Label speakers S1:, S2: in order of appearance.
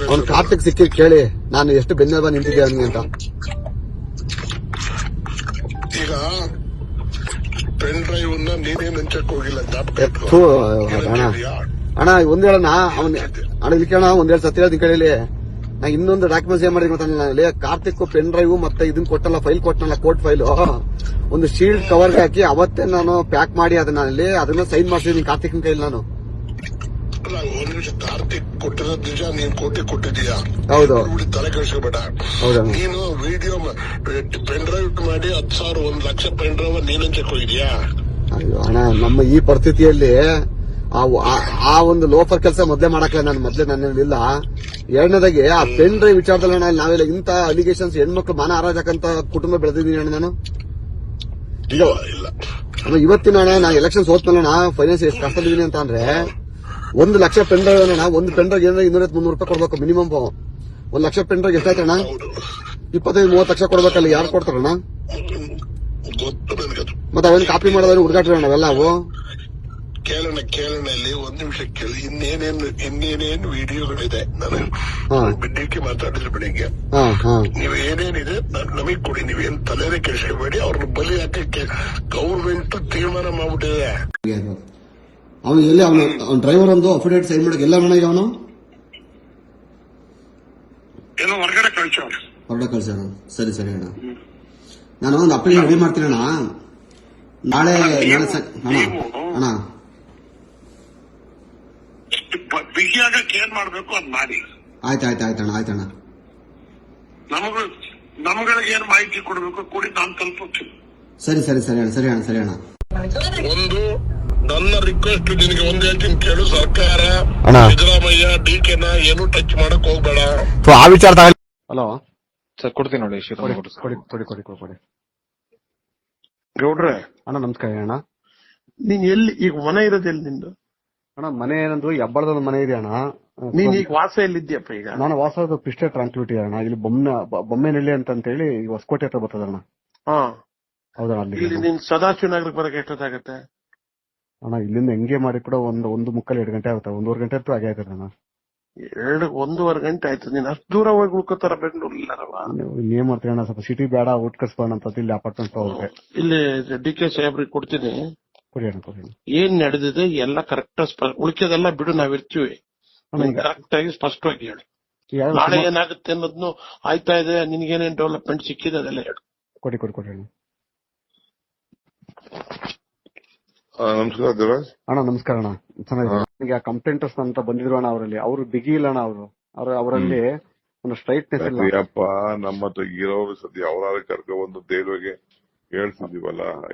S1: ಅವ್ನು ಕಾರ್ತಿಕ್ ಸಿಕ್ಕಿ ಕೇಳಿ ನಾನು ಎಷ್ಟು ಬೆನ್ನೆಲುಬ ನಿಂತಿದ್ದೆ ಅವನಿಗೆ ಅಂತ.
S2: ಈಗ ಪೆನ್ ಡ್ರೈವ್ ನೀನೇನ್ ಹಂಚಕ್ ಹೋಗಿಲ್ಲ,
S1: ಅಣ್ಣ ಒಂದ್ ಹೇಳಣ್ಣ ಅಣ್ಣ ಇಲ್ಲಿ ಕೇಳೋಣ ಒಂದೆರಡು ಸತಿ ಹೇಳ್ತೀನಿ ಕೇಳಿ. ನಾ ಇನ್ನೊಂದು ಡಾಕ್ಯುಮೆಂಟ್ಸ್ ಏನ್ ಮಾಡಿದ್ವಿ ಗೊತ್ತಿಲ್ಲ, ಕಾರ್ತಿಕ್ ಪೆನ್ ಡ್ರೈವ್ ಮತ್ತೆ ಇದನ್ ಕೊಟ್ಟಲ್ಲ, ಫೈಲ್ ಕೊಟ್ಟನಲ್ಲ, ಕೋರ್ಟ್ ಫೈಲ್ ಒಂದು ಶೀಲ್ಡ್ ಕವರ್ಗೆ ಹಾಕಿ ಅವತ್ತೇ ನಾನು ಪ್ಯಾಕ್ ಮಾಡಿ ಅದನ್ನ ಸೈನ್ ಮಾಡ್ಸಿದೀನಿ ಕಾರ್ತಿಕ್ನ ಕೈಲಿ ನಾನು.
S2: ಒಂದ್ ನಿಮಿಷ, ಕಾರ್ತಿಕ್ ಕೊಟ್ಟಿರೋದ್ ನಿಜ, ನೀನ್ ಕೋಟಿ ಕೊಟ್ಟಿದೀಯಾ?
S1: ಹೌದು.
S2: ತಲೆ ಕೆಡಿಸ್ಕೋಬೇಡ. ನೀನು ವಿಡಿಯೋ ಪೆನ್ ಡ್ರೈವ್ ಮಾಡಿ 10,000 1 ಲಕ್ಷ ಪೆನ್ ಡ್ರೈವ್ ನೀನ್ ಹಂಚಕ್ ಹೋಗಿದ್ಯಾ?
S1: ಅಯ್ಯೋ ಅಣ್ಣ, ನಮ್ಮ ಈ ಪರಿಸ್ಥಿತಿಯಲ್ಲಿ ಆ ಒಂದು ಲೋಫರ್ ಕೆಲಸ ಮೊದ್ಲೇ ಮಾಡಕ್ಲ ನಾನು, ಮೊದ್ಲೇ ನನ್ನಿಲ್ಲ. ಎರಡನೇದಾಗಿ ಆ ಪೆನ್ ಡ್ರೈವ್ ವಿಚಾರದಲ್ಲಿ ಅಣ್ಣ ನಾವೆಲ್ಲ ಇಂತ ಅಲಿಗೇಷನ್ಸ್ ಹೆಣ್ಮಕ್ಳು ಮಾನ ಹಾರಾಜಕ್ಕಂತ ಕುಟುಂಬ ಬೆಳೆದಿದ್ದೀನಿ ಅಣ್ಣ ನಾನು. ಈಗ ಇವತ್ತಿನ ಅಣ್ಣ ನಾ ಎಲೆಕ್ಷನ್ ಸೋತ್ಮೇಲೆ ಫೈನಾನ್ಸ್ ಎಷ್ಟು ಕಷ್ಟದಿದ್ದೀನಿ ಅಂತ ಅಂದ್ರೆ 1 ಲಕ್ಷ ಪೆನ್ ಡ್ರೈವ್ ಅಣ್ಣ, ಒಂದು ಪೆನ್ ಡ್ರೈವ್ ಏನಾದ್ರೆ 200-300 ರೂಪಾಯಿ ಕೊಡ್ಬೇಕು ಮಿನಿಮಮ್. 1 ಲಕ್ಷ ಪೆನ್ ಡ್ರೈವ್ ಎಷ್ಟಾಯ್ತಣ್ಣ? 25-30 ಲಕ್ಷ ಕೊಡ್ಬೇಕಲ್ಲ, ಯಾರು ಕೊಡ್ತಾರಣ್ಣ? ಮತ್ತೆ ಅವನ್ ಕಾಪಿ ಮಾಡೋದ್ರೆ ಹುಡುಗಾಟ್ರಿ ಅಣ್ಣ ಅವೆಲ್ಲ ಅವು.
S2: ಕೇಳೋಣ ಇಲ್ಲಿ ಒಂದ್ ನಿಮಿಷ ಕೇಳಿ, ಇನ್ನೇನೇನು ವಿಡಿಯೋಗಳಿದೆ. ನಾನು ಬಿಡ್ಡಿಕ್ಕೆ ಮಾತಾಡಿದ್ರೆ ಬೆಳಿಗ್ಗೆ ನೀವ್ ಏನೇನಿದೆ ನಮಗ್ ಕೊಡಿ, ನೀವೇನ್ ತಲೆನೇ ಕೆಡಿಸ್ಕೋಬೇಡಿ. ಅವ್ರನ್ನ ಬಲಿ ಹಾಕಕ್ಕೆ ಗೌರ್ಮೆಂಟ್ ತೀರ್ಮಾನ ಮಾಡ್ಬಿಟ್ಟಿದೆ.
S1: ಅವನು ಎಲ್ಲಿ ಅವನ ಡ್ರೈವರ್ ಒಂದು ಅಫಿಡೇಟ್ ಸೈನ್ ಮಾಡಕ್ಕೆ ಎಲ್ಲ ಮನೆಗೆ ಅವನು
S2: ಏನೋ ಹೊರಗಡೆ
S1: ಕಳ್ಸೋಣ. ಸರಿ ಅಣ್ಣ, ನಾನು ಒಂದು ಅಪ್ಲಿಕೇಶನ್ ರೆಡಿ ಮಾಡ್ತೀನಿ ಅಣ್ಣ. ನಾಳೆ ಅಣ್ಣ
S2: ಬಿಗಿಯಾಗಕ್ಕೆ ಏನ್ ಮಾಡ್ಬೇಕು ಅದ್ ಮಾಡಿ.
S1: ಆಯ್ತಣ್ಣ.
S2: ನಮ್ಗಳಿಗೆ ಏನ್ ಮಾಹಿತಿ ಕೊಡ್ಬೇಕು ಕೊಡಿ, ನಾನು ತಲುಪುತ್ತೀನಿ.
S1: ಸರಿ ಅಣ್ಣ.
S2: ಒಂದು ನನ್ನ ರಿಕ್ವೆಸ್ಟ್ ನಿನಗೆ ಒಂದ್ ಹೇಳ್ತೀನಿ ಕೇಳು, ಸರ್ಕಾರ ಸಿದ್ದರಾಮಯ್ಯ ಡಿಕೆನ ಏನು ಟಚ್ ಮಾಡಕ್ ಹೋಗ್ಬೇಡ.
S1: ಆ ವಿಚಾರ ಹಲೋ
S3: ಸರ್, ಕೊಡ್ತೀನಿ ನೋಡಿ.
S1: ಕೊಡಿ
S3: ಗೌಡ್ರೆ
S1: ಅಣ್ಣ, ನಮಸ್ಕಾರ ಅಣ್ಣ.
S3: ನೀನ್ ಎಲ್ಲಿ ಈಗ ಮನೆ ಇರೋದು ಎಲ್ಲಿ ನಿಂದು?
S1: ಅಣ್ಣ ಮನೆ ಏನಂದ್ರು ಹೆಬ್ಬಳದ ಮನೆ ಇದೆ ಅಣ್ಣ.
S3: ನೀನ್ ಈಗ ವಾಸ ಎಲ್ಲಿದ್ಯಪ್ಪ? ಈಗ
S1: ನಾನು ವಾಸದ ಪಿಸ್ಟೆ ಟ್ರಾನ್ಸ್ಪಿಟಿ ಅಣ್ಣ, ಇಲ್ಲಿ ಬೊಮ್ಮೆನಹಳ್ಳಿ ಅಂತ ಹೇಳಿ ಹೊಸಕೋಟೆ ಹತ್ರ ಬರ್ತದಣ್ಣ. ಹೌದಣ್ಣ.
S3: ಅಲ್ಲಿ ನೀನ್ ಸದಾಶಿವನಗರಕ್ಕೆ ಬರಕ್ಕೆ ಎಷ್ಟೊತ್ತಾಗತ್ತೆ
S1: ಅಣ್ಣ? ಇಲ್ಲಿಂದ ಹೆಂಗೆ ಮಾಡಿ ಕೂಡ 1:45-2 ಗಂಟೆ ಆಗುತ್ತೆ. 1.5 ಗಂಟೆ ಅಂತೂ ಆಗೇ ಆಯ್ತದೆ ಅಣ್ಣ.
S3: 1.5 ಗಂಟೆ ಆಯ್ತು. ನೀನ್ ಅಷ್ಟು ದೂರ ಹೋಗಿ ಉಳ್ಕೋತಾರ ಬೆಂಗಳೂರಿಲ್ಲವ?
S1: ಏನ್ ಮಾಡ್ತೀನಿ ಅಣ್ಣ, ಸ್ವಲ್ಪ ಸಿಟಿ ಬೇಡ, ಊಟ ಕಳ್ಸ್ಬೋಣ ಅಂತ ಇಲ್ಲಿ ಅಪಾರ್ಟ್ಮೆಂಟ್ ಹೋಗ್ರೆ.
S3: ಇಲ್ಲಿ ಡಿ.ಕೆ. ಸಾಹೇಬ್ರಿಗೆ ಕೊಡ್ತೀನಿ.
S1: ಕೊಡಿ ಅಣ್ಣ.
S3: ಏನ್ ನಡೆದಿದೆ ಎಲ್ಲ ಕರೆಕ್ಟ್, ಉಳಿಕೆದೆಲ್ಲ ಬಿಡು, ನಾವಿರ್ತೀವಿ. ಕರೆಕ್ಟ್ ಆಗಿ ಸ್ಪಷ್ಟವಾಗಿ ಹೇಳಿ. ನಾಳೆ ಏನಾಗುತ್ತೆ ಅನ್ನೋದ್ನು ಆಯ್ತಾ ಇದೆ, ನಿನ್ಗೇನೇನ್ ಡೆವಲಪ್ಮೆಂಟ್ ಸಿಕ್ಕಿದೆ ಅದೆಲ್ಲ ಹೇಳು.
S1: ಕೊಡಿ ಅಣ್ಣ.
S2: ನಮಸ್ಕಾರ
S1: ಅಣ್ಣ. ನಮಸ್ಕಾರ ಅಣ್ಣ, ಚೆನ್ನಾಗಿದೆ. ಕಂಪ್ಲೇಂಟರ್ಸ್ ಅಂತ ಬಂದಿದ್ರು ಅಣ್ಣ, ಅವರಲ್ಲಿ ಅವರು ಬಿಗಿ ಇಲ್ಲ ಅಣ್ಣ. ಅವರಲ್ಲಿ ಒಂದು ಸ್ಟ್ರೈಟ್ನೆಸ್ ಇಲ್ಲ.
S2: ನಮ್ಮ ಹತ್ರ ಇರೋರು ಸದ್ಯ ಅವರಾದ್ರೆ ಕರ್ಕೊಂಡು ಒಂದು ದೇವ್ರಿಗೆ ಹೇಳ್ತಿದೀವಲ್ಲ.